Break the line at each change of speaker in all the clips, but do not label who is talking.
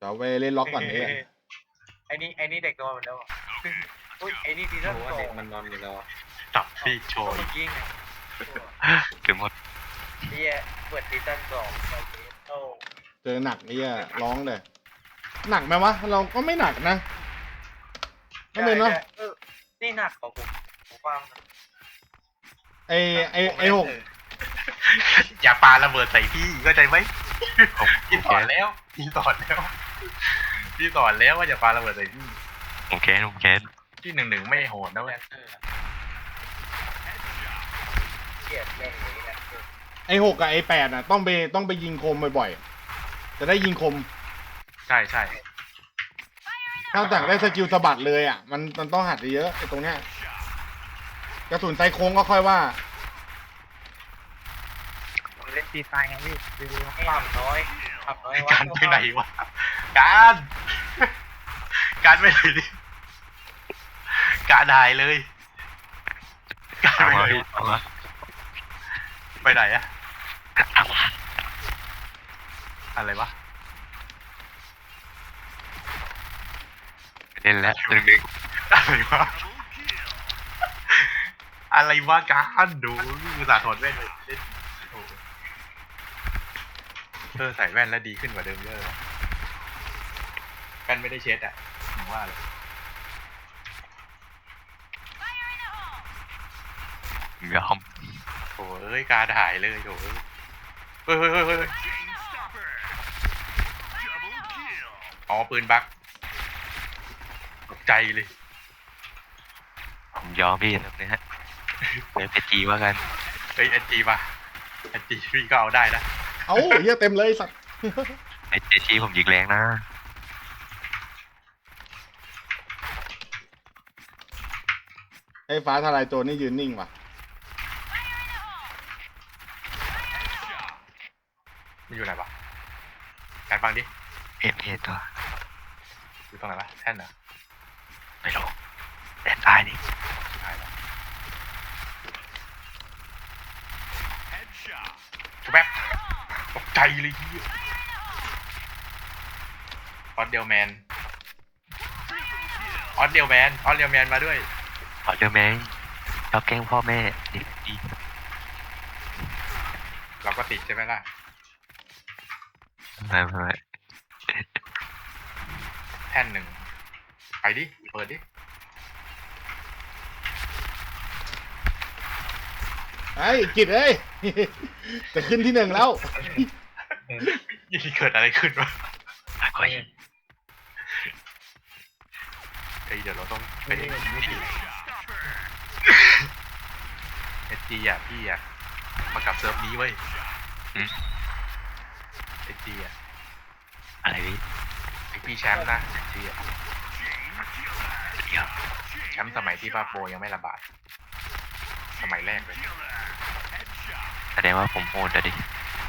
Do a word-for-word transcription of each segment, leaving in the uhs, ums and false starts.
เราไปเล่นล็อกก่อนเนี่ย
ไอ้นี่ไอ้นี่เด็กนอนหมดแล้วอุ้ยไอ้นี่ซีซั่นสอง
เด็กมันนอนอยู่แล้ว
จับพี่โชย
เมื่อกี้ไง
ถึงหมด
เฮียเปิดซีซั่นสองตอนนี้โอ้
เจอหนักเนี่ยร้องเลยหนักไหมวะเราก็ไม่หนักนะไม่เป็นเนาะ
เออนี่หนักของผมผมฟัง
ไอไอไอหก
อย่าปาระเบิดใส่พี่เข้าใจไหมพี่สอนแล้วพี่สอนแล้วพี่สอนแล้วว่าอย่าปาระเบิดใส่พี่ผมแค้นผมแค้นที่หนึ่งหนึ่งไม่โหดนะเว้ย
เกลียดแม่งเลยนะ
ไอหกกับไอแปดอ่ะต้องไปต้องไปยิงคมบ่อยๆจะได้ยิงคม
ใช่ใช่
ถ้าจากได้สกิลสะบัดเลยอ่ะมันมันต้องหัดเยอะไอตรงเนี้ยกระสุนไซโค้งก็ค่อยว่า
ผมเล่นตีไฟไงพี่ดู
ความน้อยความน้อย
การไปไหนวะการการไปไหนดิการหายเลยการไปไหนไปไหนอะอะไรวะเล่นแล้วหนึ่งหนึ่งอะไรวะอะไรวะการดูอุตส่าห์ถอดแว่นเลยเล่นโอ้เออใส่แว่นแล้วดีขึ้นกว่าเดิมเยอะเลยแว่นไม่ได้เช็ดอ่ะผมว่าเลยยอมโอ้เอ้ยการหายเลยโอ้ยเฮ้ยเฮ้ยเฮ้ยเฮ้ยอ๋อปืนบักตกใจเลยผมยอมพี่แบบนี้ฮะเดี๋ยวไปจีว่ากันเฮ้ยเอจีมาเอจีพี่ก็เอาได้นะ
เอ้าเหี้ยเต็มเลยสัตว์
ไอเอจีผมยิงแรงนะ
ไอฟ้าทลายโจรนี่ยืนนิ่งว่ะ
มันอยู่ไหนวะการฟังดิเห็นเห็นตัวอยู่ตรงไหนวะแท่นเหรอไม่รู้แท่นตายดิตายแล้วชุบแป๊บตกใจเลยที่ออสเดียวแมนออสเดียวแมนออสเดียวแมนมาด้วยออสเดียวแมนเราแกล้งพ่อแม่ดีดีเราก็ติดใช่ไหมล่ะไม่ไม่แท่นหนึ่งไปดิเปิดดิ
ไอ้กิจเอ้ย จะขึ้นที่หนึ่งแล้ว
ยี่เกิดอะไรขึ้นวะเฮ้ยเดี๋ยวเราต้องไปเอสจีอ่ะพี่อ่ะมากับเซิร์ฟนี้เว้ยเอสจีอ่ะอะไรพี่ไอพี่แชมป์นะเอสจีอ่ะแชมป์สมัยที่ป้าโปยังไม่ระบาดสมัยแรกเลยแสดงว่าผมโหดอะดิ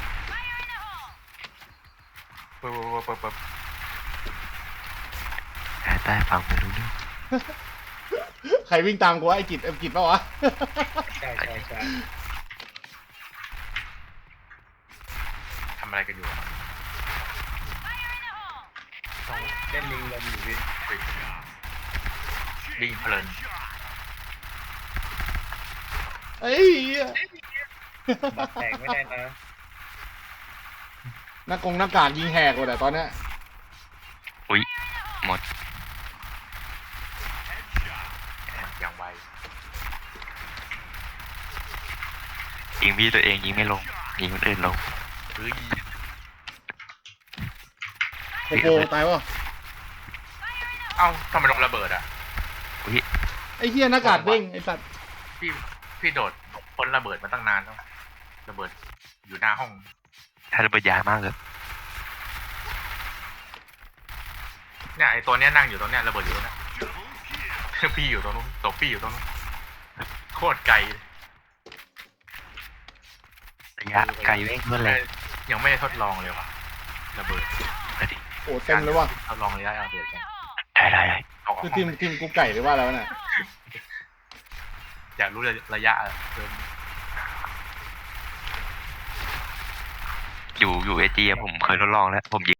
เปิบเปิบเปิบแต่ใต้ฟังไม่รู้เรื่อง
ใครวิ่งตามกูวะไอ้กิจไอ้กิจปะวะ
ใช่ใช่ใช่
ทำอะไรกันอยู่อะต้อง
เล่นลิงลมอยู่พี่
วิ่งเพลิน
เอ้ย
บัตรแตกไม่ได้นะ
หน้ากงหน้ากากยิงแหกหมดแต่ตอนเนี้ย
อุ้ยหมดอย่างไวยิงพี่ตัวเองยิงไม่ลงยิงคนอื่นลงเฮ้ย
โอ้โหตายวะ
เอ้าทำไมลงระเบิดอ่ะอุ้ย
ไอ้เหี้ยหน้ากากเด้งไอ้สัตว์
พี่พี่โดดพ้นระเบิดมาตั้งนานแล้วระเบิดอยู่หน้าห้องถ้าระเบิดยามากเลยเนี่ยไอตัวเนี้ยนั่งอยู่ตรงเนี้ยระเบิดอยู่ตรงเนี้ยพี่อยู่ตรงนู้นตบพี่อยู่ตรงนู้นโคตรไกลระยะไกลเว้ยเมื่อไรยังไม่ได้ทดลองเลยว่ะระเบิด
โอ้เต็มเลยว่ะ
ทดลองระยะระเบิดกันได้ได้ได้
คือทีมทีมกูไก่หรือว่าแล้วน่ะ
อยากรู้ระยะเพิ่มอยู่อยู่เอจีผมเคยทดลองแล้วผมยิง